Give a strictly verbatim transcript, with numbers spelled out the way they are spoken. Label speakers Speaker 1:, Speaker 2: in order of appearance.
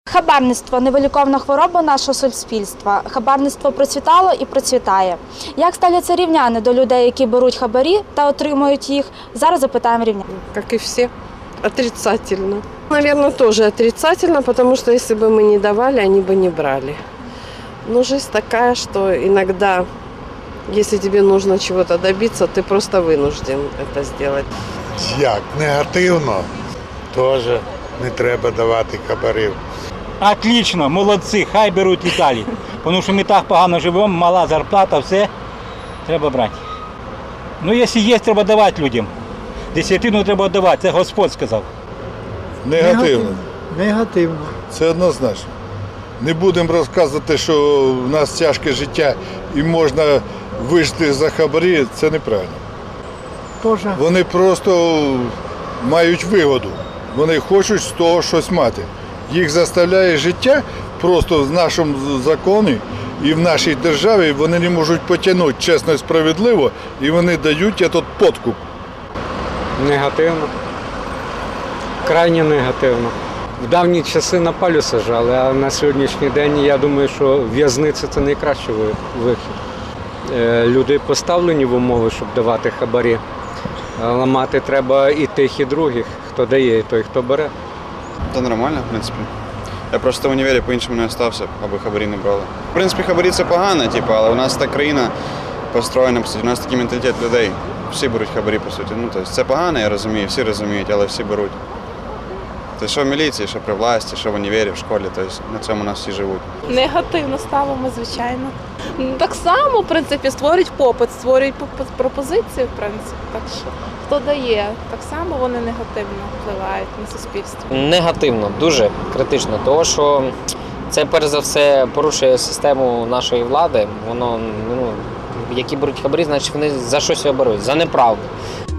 Speaker 1: Хабарництво – невиліковна хвороба нашого суспільства. Хабарництво процвітало і процвітає. Як ставляться рівняни до людей, які беруть хабарі та отримують їх? Зараз запитаємо рівнян.
Speaker 2: Как и все, отрицательно. Наверное, тоже отрицательно, потому что если бы мы не давали, они бы не брали. Но жизнь такая, что иногда, если тебе нужно чего-то добиться, ты просто вынужден это сделать.
Speaker 3: Як? Негативно. Теж не треба давати хабарів.
Speaker 4: Отлично, молодці, хай беруть і далі. Тому що ми так погано живемо, мала зарплата, все, треба брати. Ну, якщо є, треба давати людям. Десятину треба давати, це Господь сказав.
Speaker 3: Негативно.
Speaker 5: Негативно.
Speaker 3: Це однозначно. Не будемо розказувати, що в нас тяжке життя і можна вижити за хабарі, це неправильно.
Speaker 5: Тоже.
Speaker 3: Вони просто мають вигоду. Вони хочуть з того щось мати. Їх заставляє життя просто в нашому законі і в нашій державі вони не можуть потягнути чесно і справедливо, і вони дають цей подкуп.
Speaker 6: Негативно. Крайне негативно. В давні часи на палю сажали, а на сьогоднішній день я думаю, що в'язниця – це найкращий вихід. Е, Люди поставлені в умови, щоб давати хабарі. Ламати треба і тих, і других. Хто дає, і той, хто бере.
Speaker 7: Та нормально, в принципі. Я просто в універі по-іншому не остався, аби хабарі не брали. В принципі, хабарі – це погано, типу, але у нас та країна построєна, по суті, у нас такий менталітет людей. Всі беруть хабарі, по суті. Ну, тобто, це погано, я розумію, всі розуміють, але всі беруть. Тобто, що в міліції, що при власті, що в універі, в школі, тобто, на цьому у нас всі живуть.
Speaker 8: Негативно ставимо, звичайно. Так само, в принципі, створюють попит, створюють пропозиції, в принципі. Так що, хто дає, так само вони негативно впливають на суспільство.
Speaker 9: Негативно, дуже критично, тому що це, перш за все, порушує систему нашої влади. Воно, ну, які беруть хабарі, значить вони за щось його беруть, за неправду.